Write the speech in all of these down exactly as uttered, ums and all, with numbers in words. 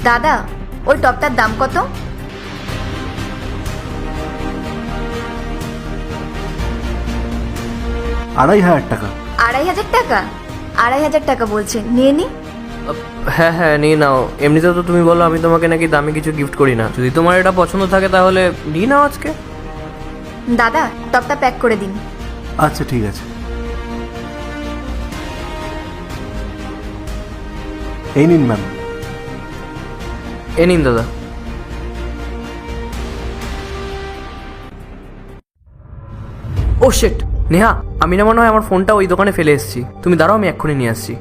দাদা, ওই টপটার দাম কত? আড়াই হাজার টাকা। আড়াই হাজার টাকা? আড়াই হাজার টাকা বলছেন, নিয়ে নি। হ্যাঁ হ্যাঁ নিয়ে নাও। এমনিতেও তো তুমি বলো আমি তোমাকে নাকি দামি কিছু গিফট করি না। যদি তোমার এটা পছন্দ থাকে তাহলে নিয়ে নাও আজকে। দাদা, টপটা প্যাক করে দিন। আচ্ছা ঠিক আছে, এই নিন ম্যাম। এ নিন দাদা। ও শিট, নেহা আমি না মনে হয় আমার ফোনটা ওই দোকানে ফেলে এসেছি। তুমি দাঁড়াও, আমি এক্ষুনি নিয়ে আসছি।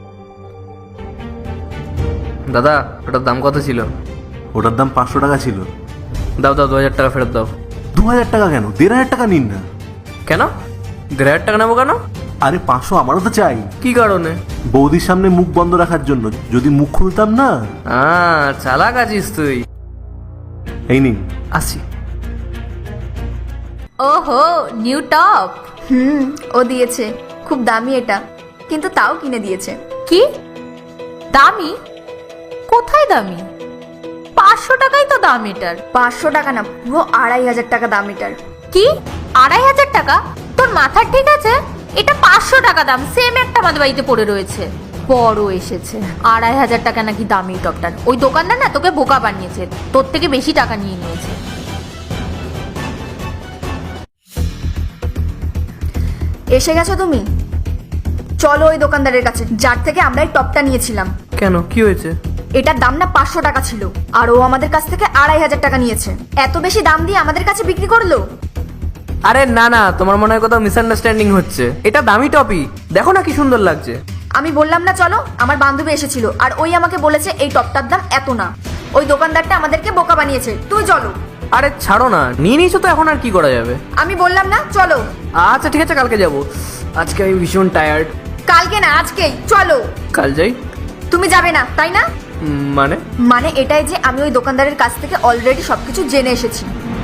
দাদা, ওটার দাম কত ছিল? ওটার দাম পাঁচশো টাকা ছিল। দাও দাও, দু হাজার টাকা ফেরত দাও। দু হাজার টাকা কেন? দেড় হাজার টাকা নিন না। কেন? দেড় হাজার টাকা নেবো কেন? আরে পাঁচশো আমারও তো চাই। কি কারণে? বৌদির সামনে মুখ বন্ধ রাখার জন্য। যদি মুখ খুলতাম না। আহ চালাক আছিস তুই। এই নিন। আসি। ওহো, নিউ টপ। হুম, ও দিয়েছে। খুব দামি এটা, কিন্তু তাও কিনে দিয়েছে। কি দামি? কোথায় দামি? পাঁচশো টাকাই তো দাম এটার। পাঁচশো টাকা না, পুরো আড়াই হাজার টাকা দাম এটার। কি আড়াই হাজার টাকা? তোর মাথা ঠিক আছে? এটা পাঁচশো টাকা দাম, সেম একটা আমাদের বাড়িতে পড়ে রয়েছে। বড় এসেছে আড়াই হাজার টাকা নাকি দামি টপটার। ওই দোকানদার না তোকে বোকা বানিয়েছে, তোর থেকে বেশি টাকা নিয়ে নিয়েছে। এসে গেছো তুমি? চলো ওই দোকানদারের কাছে যার থেকে আমরা এই টপটা নিয়েছিলাম। কেন, কি হয়েছে? এটার দাম না পাঁচশো টাকা ছিল, আর ও আমাদের কাছ থেকে আড়াই হাজার টাকা নিয়েছে। এত বেশি দাম দিয়ে আমাদের কাছে বিক্রি করলো। আরে না না, তোমার মনে হয় কোথাও মিসআন্ডারস্ট্যান্ডিং হচ্ছে। এটা দামি টপি, দেখো না কি সুন্দর লাগছে। আমি বললাম না চলো, আমার বান্ধবী এসেছিল আর ওই আমাকে বলেছে এই টপটার দাম এত না। ওই দোকানদারটা আমাদেরকে বোকা বানিয়েছে। তুই চলো। আরে ছাড়ো না, নিয়ে নিয়েছো তো এখন আর কি করা যাবে। আমি বললাম না চলো। আচ্ছা ঠিক আছে, কালকে যাব। আজকে আমি ভীষণ টায়ার্ড। কালকে না, আজকেই চলো। কাল যাই? তুমি যাবে না তাই না? উম, মানে? মানে এটাই যে আমি ওই দোকানদারের কাছ থেকে অলরেডি সবকিছু জেনে এসেছি।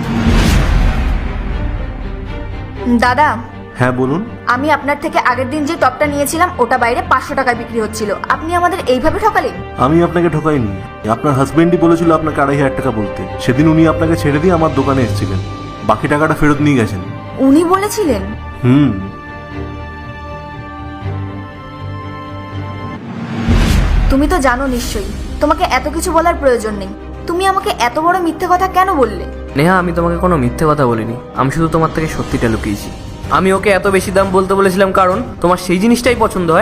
দাদা, হ্যাঁ বলুন। আমি আপনার থেকে আগের দিন যে টপটা নিয়েছিলাম ওটা বাইরে পাঁচশো টাকায় বিক্রি হচ্ছিল। আপনি আমাদের এইভাবে ঠকালেন। আমি আপনাকে ঠকাইনি। আপনার হাজবেন্ডই বলেছিল আপনাকে আড়াই হাজার টাকা বলতে। সেদিন উনি আপনাকে ছেড়ে দিয়ে আমার দোকানে এসেছিলেন। বাকি টাকাটা ফেরত নিয়ে গেছেন। উনি বলেছিলেন? হুম। তুমি তো জানো নিশ্চয়ই, তোমাকে এত কিছু বলার প্রয়োজন নেই। তুমি আমাকে এত বড় মিথ্যে কথা কেন বললে? নেহা, আমি তোমাকে কোনো মিথ্যে কথা বলিনি। আমি শুধু তোমার থেকে সত্যিটা লুকিয়েছি। আমি ওকে এত বেশি দাম বলতে বলেছিলাম কারণ তোমার সেই জিনিসটাই পছন্দ হয়